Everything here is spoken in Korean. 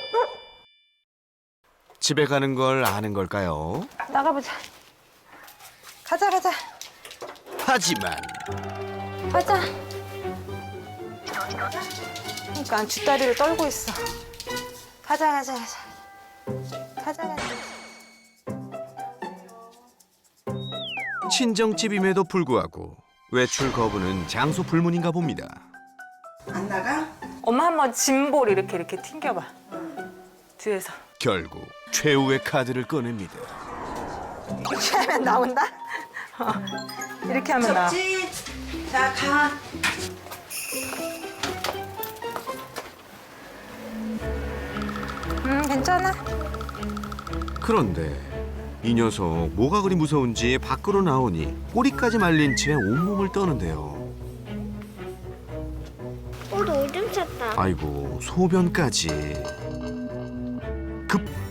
집에 가는 걸 아는 걸까요? 나가보자. 가자, 가자. 하지만 가자. 그러니까 뒷다리를 떨고 있어. 가자, 가자, 가자. 가자, 가자. 친정집임에도 불구하고 외출 거부는 장소 불문인가 봅니다. 안 나가? 엄마 한번 짐볼 이렇게 튕겨봐. 뒤에서. 결국 최후의 카드를 꺼냅니다. 이렇게 하면 나온다? 이렇게 하면 나와. 접지. 자, 가. 괜찮아. 그런데 이 녀석 뭐가 그리 무서운지 밖으로 나오니 꼬리까지 말린 채 온몸을 떠는데요. 오줌 쌌다. 아이고 소변까지. 급